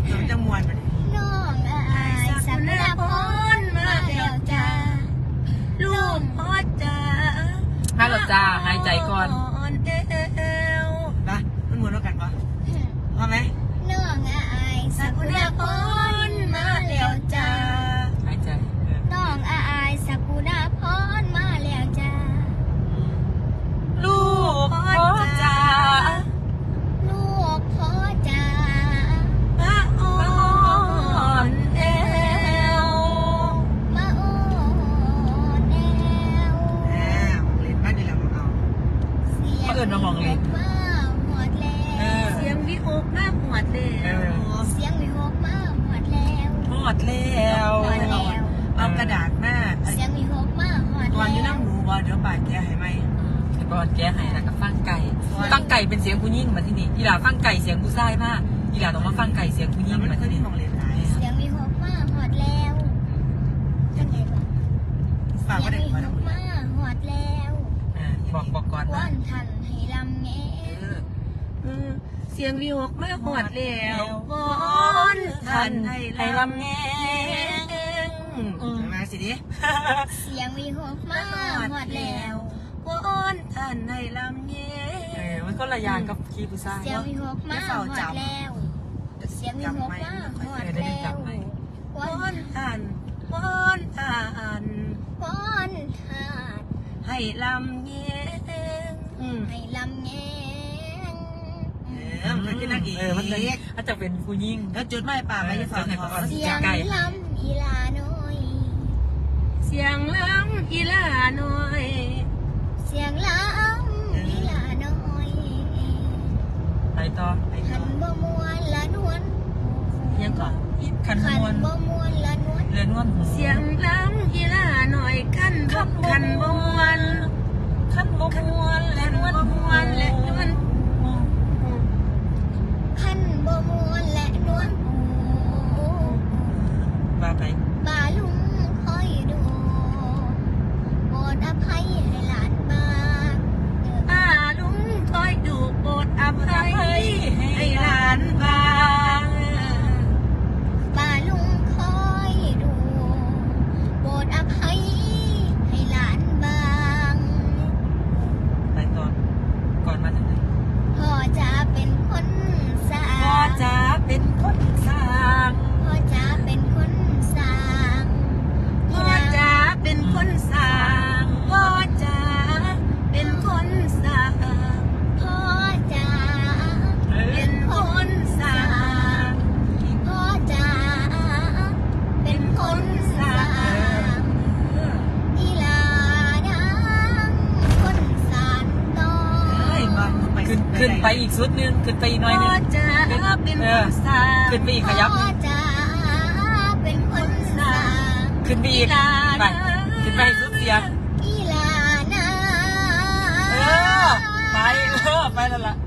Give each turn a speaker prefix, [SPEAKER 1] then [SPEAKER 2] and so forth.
[SPEAKER 1] จะมวนไป
[SPEAKER 2] น้องอายสักดาพรมาแล้วจ้าลูกพ่อจ้า
[SPEAKER 3] ฮัลโหลจ้าหายใจก่อน
[SPEAKER 1] นะมันมวนแล้วกันปะพอไหม
[SPEAKER 2] น้องอายสักดาพรมาแล้วจ้า
[SPEAKER 3] หายใจ
[SPEAKER 2] น้องอายสักดาพรมาแล้วจ้า
[SPEAKER 3] ลูกพ่อจ้า
[SPEAKER 2] ลูกพ่อจ้า
[SPEAKER 3] มาอ่อนแอว
[SPEAKER 2] มาอ่อนแอว
[SPEAKER 1] เล่นบ้านนี่แหละเอา
[SPEAKER 2] เสียงวิหกมาหอดแล้ว
[SPEAKER 3] เสียงวิหกมาหอดแล้ว
[SPEAKER 2] เสียงวิหกมาหอดแล้ว
[SPEAKER 3] หอดแล้ว
[SPEAKER 1] เอากระดาษมา
[SPEAKER 2] เสียงวิหกมาหอดแล้ว
[SPEAKER 1] วางอยู่น้ำหมูว่าเดี๋ยวบ่ายแกให้ไหม
[SPEAKER 3] คือบอลแก้ให้แล้วก็ฟังไก่เป็นเสียงผู้หญิงมาที่นี่อีหล่าฟังไก่เสียงผู้ชายมากอีหล่าต้องมาฟังไก่เสียงผู้หญิงมาที่นี่
[SPEAKER 1] มองเล่นได้
[SPEAKER 2] เสียงวิหกมาหอดแล้วจังไงบ้าง
[SPEAKER 1] ฝากว่าเด็กมา
[SPEAKER 2] มาหอดแล้ว
[SPEAKER 3] บอกก่อนนะ
[SPEAKER 2] วันทันให้ลำแง
[SPEAKER 3] เสียงวิหกมาหอดแล้ววันทันให้ลำแง
[SPEAKER 1] มาสิดิ
[SPEAKER 2] เสียงวิหกมาหอดแล้ว
[SPEAKER 3] วันทันให้ลำแงมันก็ระยางกับคีผู้ชาย
[SPEAKER 2] เสียงวิหกมาหอดแล้วเสียงวิหกมาหอดแล้ว
[SPEAKER 3] วันทันให้ลำแง
[SPEAKER 2] ให้ลำแง
[SPEAKER 1] มันคือนักเอก
[SPEAKER 3] มันอาจจะเป็นผู้หญิง
[SPEAKER 1] แล้วจุดไม่ป่าไม่ฟัง
[SPEAKER 2] เสียงลำอีลาน้อย
[SPEAKER 3] เสียงลำอีลาน้อย
[SPEAKER 2] เสียงลำอีลาน้อย
[SPEAKER 3] ไปต่อ
[SPEAKER 2] ขันบ่มวนละนวล
[SPEAKER 3] ยังก่อนขันบ่
[SPEAKER 2] มวนละนวล
[SPEAKER 3] เรือนวลเสียงลำอีลาน้อยขันบ่มวนและนวล
[SPEAKER 2] ขันบ่มวนและนวล
[SPEAKER 3] มาไป
[SPEAKER 2] บาลุงคอยดูโปรดอภัยให้หลานบา
[SPEAKER 3] ลุงคอยดูโปรดอภัยให้หลานบา
[SPEAKER 2] ลุงคอยดูโปรดอภัยให้หลานบาง
[SPEAKER 3] ไปก่อนมาทางไหน
[SPEAKER 2] พ่อจะเป็นคนสร้าง
[SPEAKER 3] พ่อจะเป็นคนสร้าง
[SPEAKER 2] พ่อจะเป็นคนสร้าง
[SPEAKER 3] พ่อจะเป็นคนสร้างพ่อจะเป็นคนสร้าง
[SPEAKER 2] พ่อจะ
[SPEAKER 3] เป็นคนสร้าง
[SPEAKER 2] พ่อจะเป็นคนสร้างอีลาดังคนสานต่อ
[SPEAKER 3] ขึ้นไปอีกสุดนึงขึ้นไปอีกน้อยนึง
[SPEAKER 2] พ่อจะเป็นคนสร้าง
[SPEAKER 3] ขึ้นไปอีกขยับ
[SPEAKER 2] พ่อจะเป็นคนสร้าง
[SPEAKER 3] ขึ้นไปอีกไปขึ้นไปให้สุดเสียง
[SPEAKER 2] อีลานะ
[SPEAKER 3] ไปแล้วล่ะ